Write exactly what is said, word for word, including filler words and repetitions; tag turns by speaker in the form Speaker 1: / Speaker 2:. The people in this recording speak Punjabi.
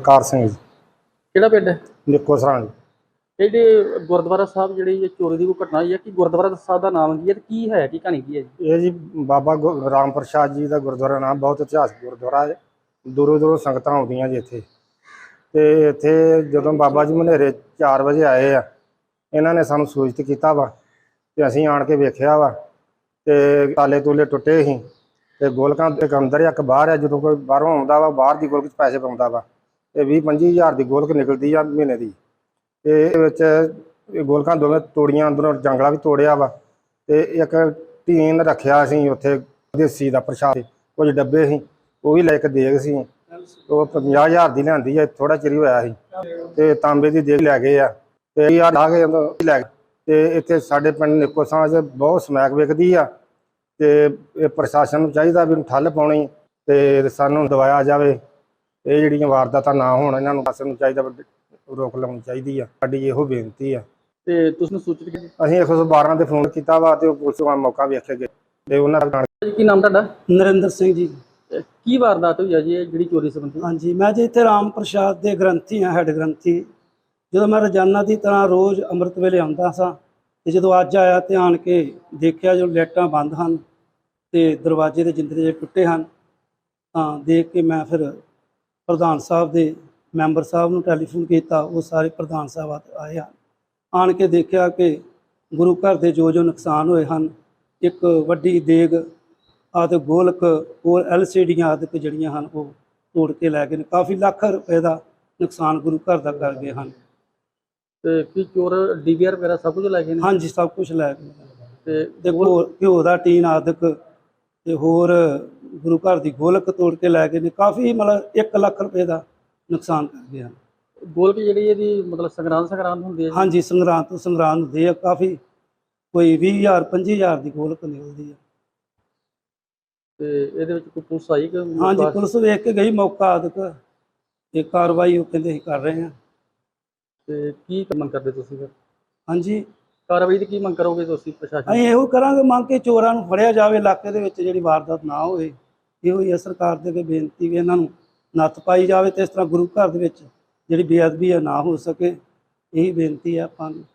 Speaker 1: बलकार सिंह जी।
Speaker 2: ਕਿਹੜਾ ਪਿੰਡ ਹੈ?
Speaker 1: निक्को सरां जी।
Speaker 2: ਇਹ ਜਿਹੜੇ ਗੁਰਦੁਆਰਾ ਸਾਹਿਬ ਜਿਹੜੀ ਇਹ ਚੋਰੀ ਦੀ ਕੋਈ ਘਟਨਾ ਹੋਈ ਹੈ ਕਿ ਗੁਰਦੁਆਰਾ ਸਾਹਿਬ ਦਾ ਨਾਮ ਕੀ ਹੈ ਤੇ ਕੀ ਹੈ ਕੀ ਕਹਾਣੀ ਕੀ ਹੈ ਜੀ?
Speaker 1: ये जी बाबा गो- राम प्रसाद जी का गुरुद्वारा नाम बहुत इतिहासक गुरुद्वारा है। दूरों दूरों संगत आउंदियां जी इत्थे ते इत्थे जदों बाबा जी मनेरे चार बजे आए आ, इन्हां ने सानूं सूचित कीता वा ते असीं आण के वेखिया वा ते ताले तूले टुटे ही ते गोलकां एक अंदर एक बाहर है। जदों कोई बाहरों आउंदा वा बाहर दी गोलक 'च पैसे पाउंदा वा ते ਵੀਹ ਪੰਜੀ हज़ार दी गोलक निकलदी आ महीने दी ते इहदे विच गोलकां दोवें तोड़ियां, अंदरों जंगला भी तोड़िया वा ते एक टीन रखिया सी उत्थे देसी दा प्रशाद कुछ डब्बे सी वो भी लै के देग सी वो पंजाह हज़ार दी लिआंदी है। थोड़ा चिर ही होया सी ते तांबे दी देग लै गए आ ते यार ला के लै गए ते इत्थे साडे पिंड निक्को सरां च बहुत समैक विकदी आ ते इह प्रशासन नूं चाहीदा भी ठੱਲ पाउणी ते सानूं दवाया जावे ਇਹ ਜਿਹੜੀਆਂ ਵਾਰਦਾਤਾਂ ਨਾ ਹੋਣ। ਇਹਨਾਂ ਨੂੰ ਪ੍ਰਸ਼ਾਸਨ ਨੂੰ ਚਾਹੀਦਾ ਰੋਕ ਲਾਉਣੀ ਚਾਹੀਦੀ ਆ। ਸਾਡੀ ਇਹੋ ਬੇਨਤੀ ਆ।
Speaker 2: ਤੇ ਤੁਸੀਂ ਸੂਚਿਤ ਕੀਤਾ
Speaker 1: ਅਸੀਂ ਇੱਕ ਸੌ ਬਾਰਾਂ ਤੇ ਫੋਨ ਕੀਤਾ ਵਾ ਤੇ ਉਹ ਪੁਲਿਸ ਵਾਲਾ ਮੌਕਾ ਵੇਖ ਕੇ ਗਏ ਤੇ ਉਹਨਾਂ ਦਾ
Speaker 2: ਜੀ? ਕੀ ਨਾਮ ਤੁਹਾਡਾ?
Speaker 3: ਨਰਿੰਦਰ ਸਿੰਘ ਜੀ।
Speaker 2: ਤੇ ਕੀ ਵਾਰਦਾਤ ਹੋਈ ਹੈ ਜੀ ਇਹ ਜਿਹੜੀ ਚੋਰੀ ਸੰਬੰਧੀ?
Speaker 3: ਹਾਂਜੀ, ਮੈਂ ਜੀ ਇੱਥੇ ਰਾਮ ਪ੍ਰਸਾਦ ਦੇ ਗ੍ਰੰਥੀ ਹਾਂ, ਹੈੱਡ ਗ੍ਰੰਥੀ। ਜਦੋਂ ਮੈਂ ਰੋਜ਼ਾਨਾ ਦੀ ਤਰ੍ਹਾਂ ਰੋਜ਼ ਅੰਮ੍ਰਿਤ ਵੇਲੇ ਆਉਂਦਾ ਸਾਂ ਤੇ ਜਦੋਂ ਅੱਜ ਆਇਆ ਤੇ ਆਣ ਕੇ ਦੇਖਿਆ ਜੋ ਲਾਈਟਾਂ ਬੰਦ ਹਨ ਤੇ ਦਰਵਾਜ਼ੇ ਦੇ ਜਿੰਦਰੇ ਟੁੱਟੇ ਹਨ ਤਾਂ ਦੇਖ ਕੇ ਮੈਂ ਫਿਰ ਪ੍ਰਧਾਨ ਸਾਹਿਬ ਦੇ ਮੈਂਬਰ ਸਾਹਿਬ ਨੂੰ ਟੈਲੀਫੋਨ ਕੀਤਾ। ਉਹ ਸਾਰੇ ਪ੍ਰਧਾਨ ਸਾਹਿਬ ਆਏ ਹਨ। ਆਣ ਕੇ ਦੇਖਿਆ ਕਿ ਗੁਰੂ ਘਰ ਦੇ ਜੋ ਜੋ ਨੁਕਸਾਨ ਹੋਏ ਹਨ, ਇੱਕ ਵੱਡੀ ਦੇਗ ਆਦਿ ਗੋਲਕ ਹੋਰ ਐਲ ਸੀ ਡੀਆਂ ਆਦਿ ਜਿਹੜੀਆਂ ਹਨ ਉਹ ਤੋੜ ਕੇ ਲੈ ਗਏ ਨੇ। ਕਾਫੀ ਲੱਖ ਰੁਪਏ ਦਾ ਨੁਕਸਾਨ ਗੁਰੂ ਘਰ ਦਾ ਕਰ ਗਏ ਹਨ।
Speaker 2: ਤੇ ਕੀ ਚੋਰ ਡੀ ਵੀ ਆਰ ਵਗੈਰਾ ਸਭ ਕੁਝ ਲੈ ਗਏ ਨੇ?
Speaker 3: ਹਾਂਜੀ, ਸਭ ਕੁਝ ਲੈ ਗਏ
Speaker 2: ਤੇ
Speaker 3: ਤੇ ਘਿਓ ਘਿਓ ਦਾ ਟੀਨ ਆਦਿਕ ਤੇ ਹੋਰ ਗੁਰੂ ਘਰ ਦੀ ਗੋਲਕ ਤੋੜ ਕੇ ਲੈ ਗਏ ਨੇ। ਕਾਫੀ ਮਤਲਬ ਇੱਕ ਲੱਖ ਰੁਪਏ ਦਾ ਨੁਕਸਾਨ ਕਰ ਗਏ ਹਨ।
Speaker 2: ਗੋਲਕ ਜਿਹੜੀ ਇਹਦੀ ਮਤਲਬ ਸੰਗਰਾਂਦ ਸੰਗਰਾਂਦ ਹੁੰਦੀ ਹੈ ਜੀ?
Speaker 3: ਹਾਂਜੀ, ਸੰਗਰਾਂਦ ਤੋਂ ਸੰਗਰਾਂਦ ਹੁੰਦੀ ਆ। ਕਾਫੀ ਕੋਈ ਵੀਹ ਹਜ਼ਾਰ ਪੰਜੀ ਹਜ਼ਾਰ ਦੀ ਗੋਲਕ ਨਿਕਲਦੀ ਆ।
Speaker 2: ਤੇ ਇਹਦੇ ਵਿੱਚ ਕੋਈ ਪੁਲਿਸ ਆਈ ਕਿ?
Speaker 3: ਹਾਂਜੀ, ਪੁਲਿਸ ਵੇਖ ਕੇ ਗਈ ਮੌਕਾ ਆਦਿਕ ਤੇ ਕਾਰਵਾਈ ਉਹ ਕਹਿੰਦੇ ਅਸੀਂ ਕਰ ਰਹੇ ਹਾਂ।
Speaker 2: ਤੇ ਕੀ ਮੰਗ ਕਰਦੇ ਤੁਸੀਂ ਫਿਰ?
Speaker 3: ਹਾਂਜੀ,
Speaker 2: ਕਾਰਵਾਈ ਦੀ ਕੀ ਮੰਗ ਕਰੋਗੇ ਤੁਸੀਂ ਪ੍ਰਸ਼ਾਸਨ?
Speaker 3: ਅਸੀਂ ਇਹੋ ਕਰਾਂਗੇ ਮੰਗ ਕੇ ਚੋਰਾਂ ਨੂੰ ਫੜਿਆ ਜਾਵੇ, ਇਲਾਕੇ ਦੇ ਵਿੱਚ ਜਿਹੜੀ ਵਾਰਦਾਤ ਨਾ ਹੋਵੇ। ਇਹੋ ਹੀ ਹੈ ਸਰਕਾਰ ਦੇ ਅੱਗੇ ਬੇਨਤੀ ਵੀ ਇਹਨਾਂ ਨੂੰ ਨੱਥ ਪਾਈ ਜਾਵੇ ਤੇ ਇਸ ਤਰ੍ਹਾਂ ਗੁਰੂ ਘਰ ਦੇ ਵਿੱਚ ਜਿਹੜੀ ਬੇਅਦਬੀ ਆ ਨਾ ਹੋ ਸਕੇ। ਇਹੀ ਬੇਨਤੀ ਹੈ ਆਪਾਂ ਨੂੰ।